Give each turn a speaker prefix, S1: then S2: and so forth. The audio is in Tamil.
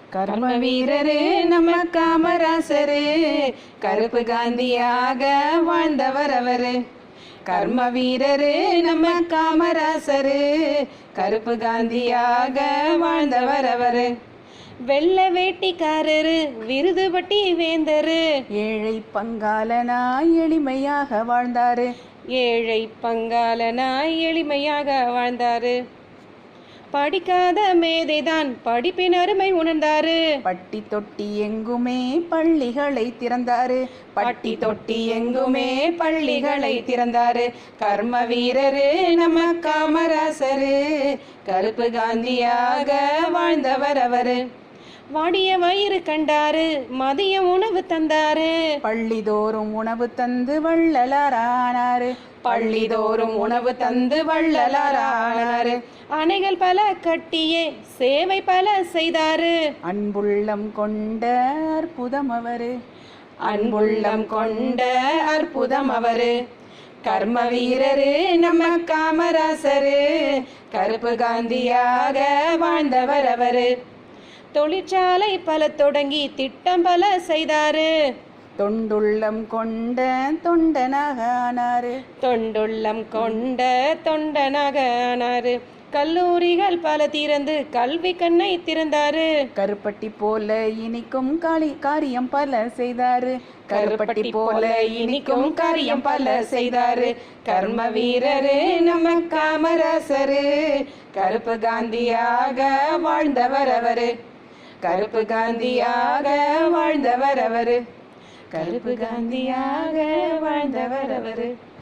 S1: கர்ம வீரரு நம்ம காமராசரு, கருப்பு காந்தியாக வாழ்ந்தவர் அவரு. கர்ம வீரரு நம்ம காமராசரு, கருப்பு காந்தியாக வாழ்ந்தவர் அவரு.
S2: வெள்ள வேட்டிக்காரரு, விருதுபட்டி வேந்தரு,
S1: ஏழை பங்காளனாய் எளிமையாக வாழ்ந்தாரு.
S2: ஏழை பங்காளனாய் எளிமையாக வாழ்ந்தாரு. படிக்காத மேதைதான் படிப்பின் அருமை உணர்ந்தாரு.
S1: பட்டி தொட்டி எங்குமே பள்ளிகளை திறந்தாரு. பட்டி தொட்டி எங்குமே பள்ளிகளை திறந்தாரு. கர்ம வீரரு நம்ம காமராசரு, கருப்பு காந்தியாக வாழ்ந்தவர் அவரு.
S2: வாடிய வயிறு கண்டாரு, மதிய உணவு தந்தாரு.
S1: பள்ளிதோறும் உணவு தந்து வள்ளலாரானாரு. பள்ளிதோறும் உணவு தந்து வள்ளலாரானாரு.
S2: அணைகள் பல கட்டியே சேவை பல செய்தாரு.
S1: அன்புள்ளம் கொண்ட அற்புதம் அவரு.
S2: அன்புள்ளம் கொண்ட
S1: அற்புதம் அவரு. கர்ம வீரரு நம்ம காமராசரு, கருப்பு காந்தியாக வாழ்ந்தவர் அவரு.
S2: தொழிற்சாலை பல தொடங்கி திட்டம் பல செய்தாரு.
S1: தொண்டுள்ளம் கொண்ட தொண்டனாக ஆனாரு.
S2: தொண்டுள்ளம் கொண்ட தொண்டனாக ஆனாரு. கல்லூரிகள் பல திறந்து கல்வி கண்ணை திறந்தாரு.
S1: கருப்பட்டி போல இனிக்கும் காரியம் பல செய்தாரு. கருப்பட்டி போல இனிக்கும் காரியம் பல செய்தாரு. கர்ம வீரரு நம்ம காமராசரு, கருப்பு காந்தியாக வாழ்ந்தவர் அவரு. கருப்பு காந்தியாக வாழ்ந்தவர் அவரு. கருப்பு காந்தியாக வாழ்ந்தவர் அவரு.